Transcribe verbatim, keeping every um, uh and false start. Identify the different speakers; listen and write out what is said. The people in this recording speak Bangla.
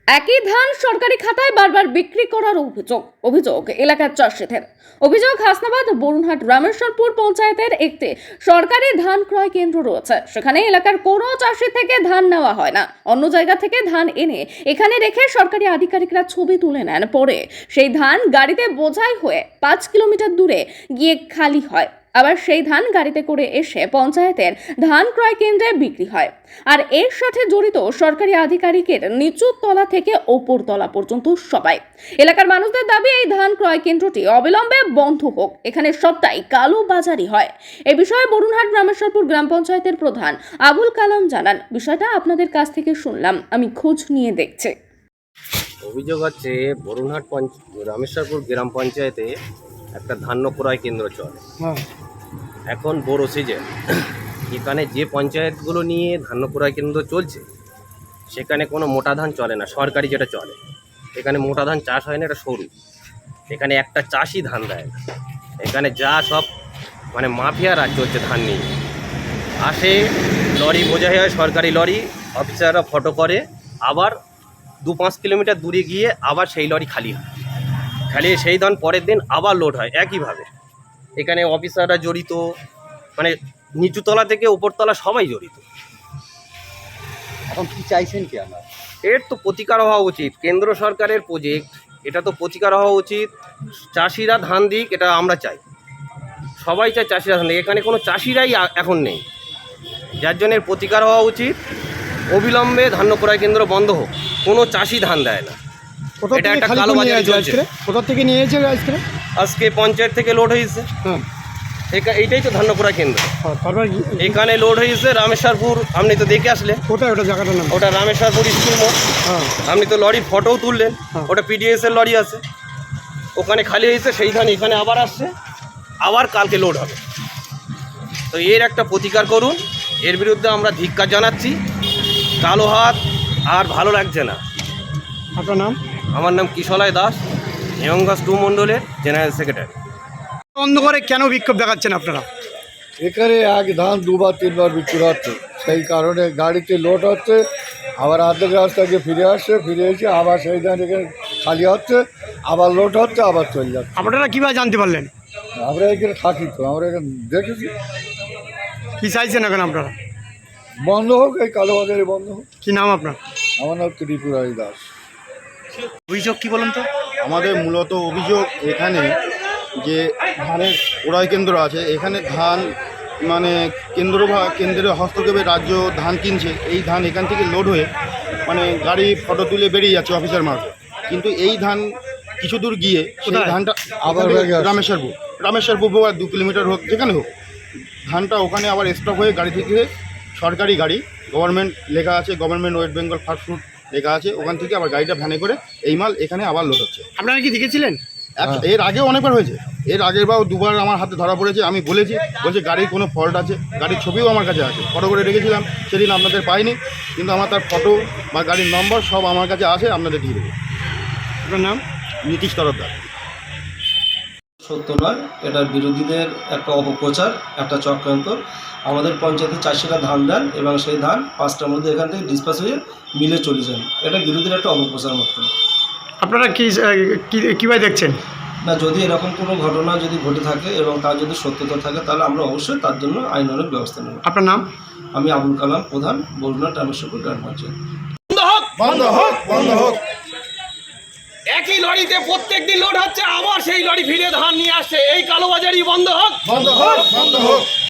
Speaker 1: একই ধান সরকারি খাতায় বারবার বিক্রি করার অভিযোগ অভিযোগ এলাকার চাষিদের। অভিযোগ হাসনাবাদ বরুণহাট রামেশ্বরপুর পঞ্চায়েতের একটি সরকারি ধান ক্রয় কেন্দ্র রয়েছে। সেখানে এলাকার কোনো চাষি থেকে ধান নেওয়া হয় না, অন্য জায়গা থেকে ধান এনে এখানে রেখে সরকারি আধিকারিকরা ছবি তুলে নেন। পরে সেই ধান গাড়িতে বোঝাই হয়ে পাঁচ কিলোমিটার দূরে গিয়ে খালি হয়। আবার সেই ধান গাড়িতে করে এসে পঞ্চায়েতের ধান ক্রয় কেন্দ্রে বিক্রি হয়। আর এর সাথে জড়িত সরকারি আধিকারিকের নিচু তলা থেকে ওপর তলা পর্যন্ত সবাই। এলাকার মানুষদের দাবি, এই ধান ক্রয় কেন্দ্রটি অবিলম্বে বন্ধ হোক, এখানে সবটাই কালো বাজারি হয়। এ বিষয়ে বরুণহাট রামেশ্বরপুর গ্রাম পঞ্চায়েতের প্রধান আবুল কালাম জানান, বিষয়টা আপনাদের কাছ থেকে শুনলাম, আমি খোঁজ নিয়ে দেখছি।
Speaker 2: অভিযোগ হচ্ছে বরুণহাট রামেশ্বরপুর গ্রাম পঞ্চায়েতে একটা ধান্য ক্রয় কেন্দ্র চলে। এখন বড় সিজন, এখানে যে পঞ্চায়েতগুলো নিয়ে ধান্য ক্রয় কেন্দ্র চলছে সেখানে কোনো মোটা ধান চলে না, সরকারি যেটা চলে। এখানে মোটা ধান চাষ হয় না, এটা সরু। এখানে একটা চাষই ধান দেয় না। এখানে যা সব মানে মাফিয়া রাজ চলছে ধান নিয়ে। আসে লরি বোঝাই হয়, সরকারি লরি, অফিসাররা ফটো করে, আবার দু পাঁচ কিলোমিটার দূরে গিয়ে আবার সেই লরি খালি হয়। খালি সেই ধান পরের দিন আবার লোড হয় একইভাবে। এখানে অফিসাররা জড়িত, মানে নিচুতলা থেকে উপরতলা সবাই জড়িত।
Speaker 3: এখন কি চাইছেন কি আমরা?
Speaker 2: এর তো প্রতিকার হওয়া উচিত, কেন্দ্র সরকারের প্রজেক্ট, এটা তো প্রতিকার হওয়া উচিত। চাষিরা ধান দিক, এটা আমরা চাই, সবাই চায় চাষিরা ধান দিক। এখানে কোনো চাষিরাই এখন নেই, যার জন্য এর প্রতিকার হওয়া উচিত। অবিলম্বে ধান্য ক্রয় কেন্দ্র বন্ধ হোক, কোনো চাষি ধান দেয় না। এটা একটা কালো বাজারি চলছে।
Speaker 3: কোথা থেকে নিয়ে এসেছে আজকে?
Speaker 2: আজকে পঞ্চায়েত থেকে লোড হয়েছে।
Speaker 3: হ্যাঁ,
Speaker 2: এইটাই তো ধান্য ক্রয় কেন্দ্র।
Speaker 3: তারপর
Speaker 2: এখানে লোড হয়েছে রামেশ্বরপুর, আপনি তো দেখে আসলে।
Speaker 3: কোথায় ওটা জায়গাটার নাম?
Speaker 2: ওটা রামেশ্বরপুর স্কুল মোড়।
Speaker 3: হ্যাঁ,
Speaker 2: আপনি তো লরির ফটোও তুললেন।
Speaker 3: হ্যাঁ।
Speaker 2: ওটা পিডিএস এর লরি আছে, ওখানে খালি হয়েছে, সেই ধান এখানে আবার আসছে, আবার কালকে লোড হবে। তো এর একটা প্রতিকার করুন, এর বিরুদ্ধে আমরা ধিক্কার জানাচ্ছি। কালো হাত আর ভালো লাগছে না।
Speaker 3: আপনার নাম?
Speaker 2: আমার নাম কিশলয় দাস, হেমঙ্গাস টু মণ্ডলের জেনারেল সেক্রেটারি।
Speaker 3: বন্ধ করে কেন বিক্ষোভ দেখাচ্ছেন আপনারা?
Speaker 4: এখানে এক ধান দুবার তিনবার বিক্রি হচ্ছে, সেই কারণে গাড়িতে লোড হচ্ছে, আবার আর্ধেক রাস্তা গিয়ে ফিরে আসছে, ফিরে এসে আবার সেই ধান এখানে খালি হচ্ছে, আবার লোড হচ্ছে, আবার চলে যাচ্ছে।
Speaker 3: আপনারা কীভাবে জানতে পারলেন?
Speaker 4: আমরা এখানে থাকি তো, আমরা এখানে দেখেছি।
Speaker 3: কী চাইছেন এখন আপনারা?
Speaker 4: বন্ধ হোক, এই কালোবাজারে বন্ধ হোক।
Speaker 3: কী নাম আপনার?
Speaker 4: আমার নাম ত্রিপুরারি দাস।
Speaker 3: অভিযোগ কী বলুন তো?
Speaker 5: আমাদের মূলত অভিযোগ এখানে যে ধানের ক্রয় কেন্দ্র আছে, এখানে ধান মানে কেন্দ্র বা কেন্দ্রের হস্তক্ষেপে রাজ্য ধান কিনছে। এই ধান এখান থেকে লোড হয়ে মানে গাড়ি ফটো তুলে বেরিয়ে যাচ্ছে অফিসার মার্ফত, কিন্তু এই ধান কিছু দূর গিয়ে সেই ধানটা আবার রামেশ্বরপুর রামেশ্বরপুর হোক আর দু কিলোমিটার হোক, যেখানে হোক, ধানটা ওখানে আবার স্টপ হয়ে গাড়ি থেকে সরকারি গাড়ি, গভর্নমেন্ট লেখা আছে, government West Bengal fast food লেখা আছে, ওখান থেকে আবার গাড়িটা ভ্যানে করে এই মাল এখানে আবার লোড হচ্ছে।
Speaker 3: আপনারা কি দেখেছিলেন?
Speaker 5: এক- এর আগেও অনেকবার হয়েছে, এর আগের বার দুবার আমার হাতে ধরা পড়েছে। আমি বলেছি, বলছে গাড়ির কোনো ফল্ট আছে, গাড়ির ছবিও আমার কাছে আছে, ফটো করে রেখেছিলাম, সেদিন আপনাদের পাইনি, কিন্তু আমার তার ফটো বা গাড়ির নম্বর সব আমার কাছে আছে, আপনাদের দিয়ে দেবো।
Speaker 3: আপনার নাম?
Speaker 5: নীতিশ তরফদার।
Speaker 6: সত্য নয়, এটার বিরোধীদের একটা অপপ্রচার, একটা চক্রান্ত। আমাদের পঞ্চায়েতে চাষিরা ধান দেন এবং সেই ধান পাঁচটার মধ্যে এখান থেকে ডিসপাস হয়ে মিলে চলে যান। এটা বিরোধীর একটা অপপ্রচার মাত্র।
Speaker 3: আপনারা কি কীভাবে দেখছেন?
Speaker 6: না, যদি এরকম কোনো ঘটনা যদি ঘটে থাকে এবং তার যদি সত্যতা থাকে, তাহলে আমরা অবশ্যই তার জন্য আইনানুগ ব্যবস্থা নেব।
Speaker 3: আপনার নাম?
Speaker 6: আমি আবুল কালাম, প্রধান, বরুণহাট রামেশ্বরপুর গ্রাম পঞ্চায়েত।
Speaker 5: বন্ধ হোক, বন্ধ হোক।
Speaker 2: একই লরিতে প্রত্যেক দিন লোড হচ্ছে, আবার সেই লরি ফিরে ধান নিয়ে আসছে। এই কালোবাজারি বন্ধ হোক,
Speaker 5: বন্ধ হোক, বন্ধ হোক।